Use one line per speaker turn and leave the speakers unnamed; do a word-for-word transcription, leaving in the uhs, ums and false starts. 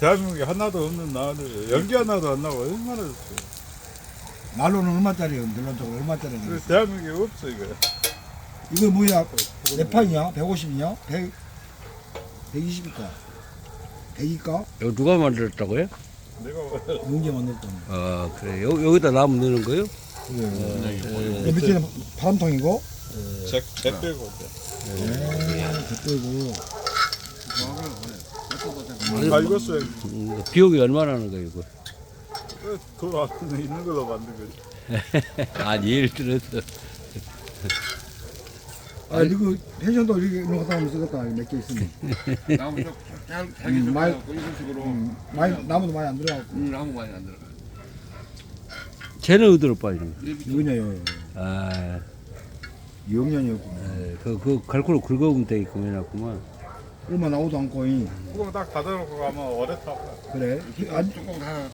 대한민국에 하나도 없는 나를 연기 하나도 안 나고 얼마나 좋지.
난로는 얼마짜리예요? 늘론적으로 얼마짜리예요?
그 대한민국에 없어 이거.
이거 뭐야? 몇 판이냐? 백오십이냐? 백, 백이십일까? 백일까?
이거 누가 만들었다고요?
내가
용기 만들었잖아.
아 그래. 여, 여기다 나무 넣는 거요?
그래. 네. 밑에는 바람통이고,
잭잭 빼고
네, 덧대고.
다 익었어요.
음, 비용이 얼마나 하는 거예요 이거?
돈 안 있는 걸로 만든 거지.
아니 예를 들어서
아, 이거 펜션도 이렇게 이런 거 갖다 놓으면 쓰겠다. 몇 개 있으면.
나무 좀 잘- 잘게
음, 많이-
섞어갖고 이런 식으로
음, 많이, 나무도 많이 안 들어가고.
음, 나무 많이 안 들어가.
쟤는 어디로 빠지는 거?
이거냐요.
아,
이억년이었구나.
에, 그, 그 갈고로 긁어보면 되게끔 해놨구만.
얼마 나오도 않고, 이.
뚜껑 딱 닫아놓고 가면 오래 타고.
그래. 아,
뚜껑 다